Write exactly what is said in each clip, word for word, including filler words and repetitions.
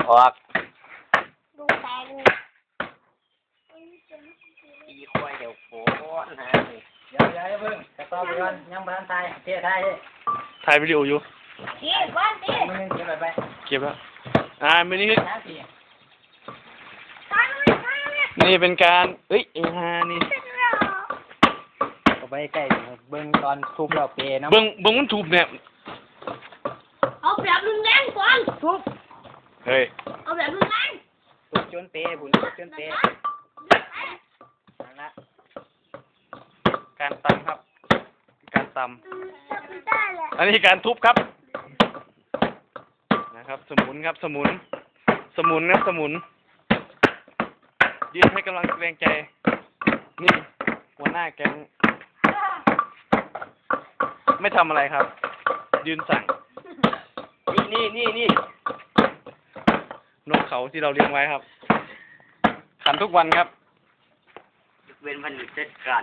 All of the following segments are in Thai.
ออกดูแตงอีควายเดี๋ยวโผล่นะฮะเดี๋ยวเดี๋ยวเพิ่งจะต่อไปก่อนยังบ้านไทยเที่ยวไทยถ่ายวิดีโออยู่เก็บบ้านดิมึงเก็บไปไปเก็บแล้วอ่าไม่นี่ตายเลยตายเลยนี่เป็นการเอ้ยเอฮานี่ก็ไปใกล้เบิ้งตอนทุบเราเปย์เนาะเบิ้งเบิ้งมันถูกเนี่ยเอาแบบรุนแรงก่อนทุบเฮ้ยเอาแบบรุนแรงทุบจนเปย์บุญทุบจนเปย์นั่นละการตำครับการตำอันนี้การทุบครับนะครับสมุนครับสมุนสมุนครับสมุนยืนให้กำลังแรงใจนี่หัวหน้าแก๊งไม่ทำอะไรครับยืนสั่งนี่นี่นี่นี่นกเขาที่เราเลี้ยงไว้ครับขันทุกวันครับเว้นวันหยุดเทศกาล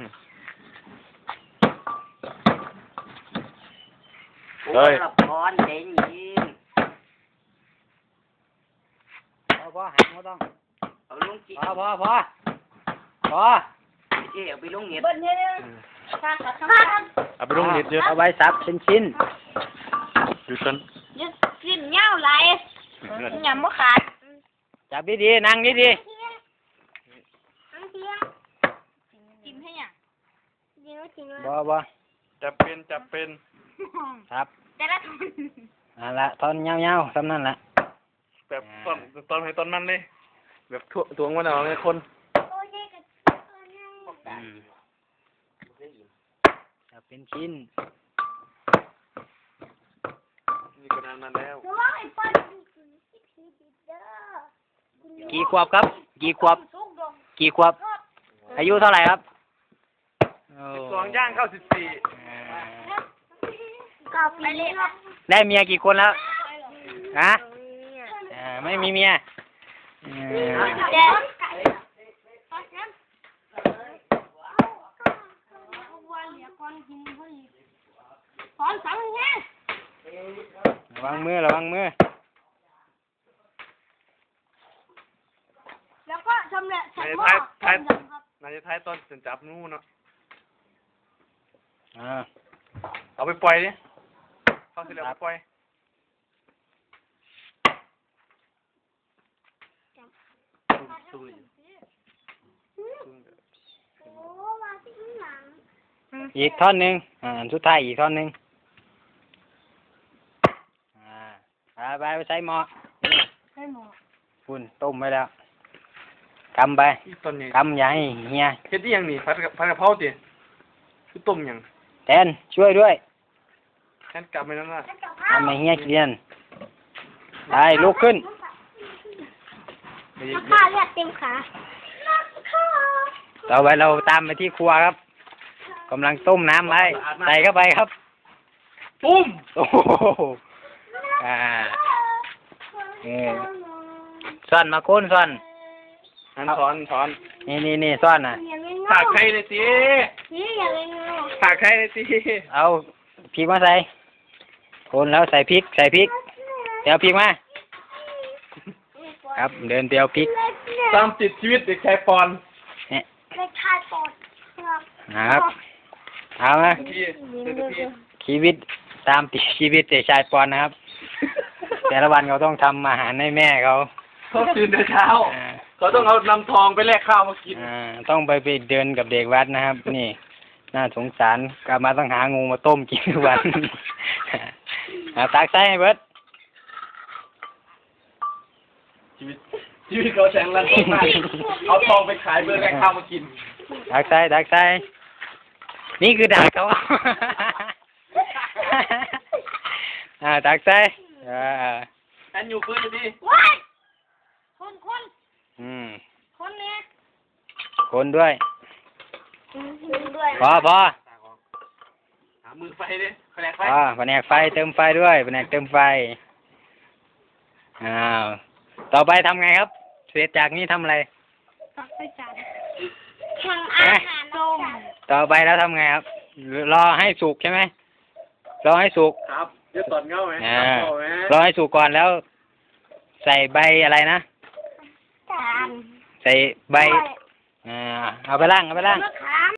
เฮ้ยละครเด่นยิงพอพอหักไม่ต้องเอาลุงจีพอพอพอพอเอ๋เอาไปลุงเงียบเบิ้ลเนี่ยข้างกับข้างเอาไปลงเน็ตเยอะเอาไว้ซับชิ้นชิ้นอยู่ชั้นยึดสิ้นเงาไหลหยำมะขาดจับดีดีนั่งดีดีจิ้มให้ยังจิ้มจิ้มบ่บ่จับเป็นจับเป็นครับแต่ละนั่นละตอนเงาเงาซ้ำนั่นละแบบตอนตอนให้ตอนมันเลยแบบถ่วงถ่วงมันเอาเลยคนจับเป็นชิ้นนี่ก็นานมาแล้วกี่ขวบครับกี่ขวบกี่ขวบอายุเท่าไหร่ครับสิบสองย่างเข้าสิบสี่ได้เมียกี่คนแล้วฮะไม่มีเมียระวังมือระวังมือแล้วก็ชำแหละใส่หม้อท้ายน่าจะท้ายตอนจะจับนู่นเนาะเอาไปปล่อยดิเข้าสิแล้วไปปล่อยอีกท่อนหนึ่งอ่าสุดท้ายอีกท่อนหนึ่งอ่าไปไปใส่หม้อคุณต้มไว้แล้วกำไปกำใหญ่เฮียเฮ็ดยังนี่ผัดผัดกะเพราติคือต้มยังแทนช่วยด้วยแทนกลับไปนั่นน่ะทำให้เฮียกินไปลุกขึ้นข้าเลือดเต็มขาต่อไปเราตามไปที่ครัวครับกำลังต้มน้ำไว้ใส่เข้าไปครับปุ้มโอ้โหอ่าเออซ่อนมาโค่นซ่อนนั่นถอนถอนนี่นี่นี่ซ่อนน่ะผักไข่เลยสิผักไข่เลยสิเอาพริกมาใส่โคนแล้วใส่พริกใส่พริกเดี๋ยวพริกมาครับเดินเตียวพริกตามติดชีวิตเด็กชายปอนเนี่ยเด็กชายปอนครับเอาไหมชีวิตตามติดชีวิตเด็กชายปอนนะครับแต่ละวันเขาต้องทำอาหารให้แม่เขาเขาตื่นแต่เช้าเขาต้องเอานำทองไปแลกข้าวมากินต้องไปไปเดินกับเด็กวัดนะครับนี่น่าสงสารกลับมาต้องหางูมาต้มกินทุกวันตักใส่ให้เบิดชีวิตชีวิตเขาแสงรันมากเอาทองไปขายเพื่อแลกข้าวมากินตักใส่ตักใส่นี่คือดักเขาอ่าตักใส่อ่าอันอยู่พื้นดิคนคนอืมคนเนี่ยคนด้วยพอพอหามือไฟดิแผนกไฟอ่าแผนกไฟเติมไฟด้วยแผนกเติมไฟอ้าวต่อไปทำไงครับเสร็จจากนี้ทำอะไรตักใส่จานทำอาหารต้มต่อไปแล้วทำไงครับรอให้สุกใช่ไหมรอให้สุกครับจะตอนเงาไหมอ่ารอให้สุกก่อนแล้วใส่ใบอะไรนะจานใส่ใบอ่าเอาไปล่างเอาไปล่างมะขาม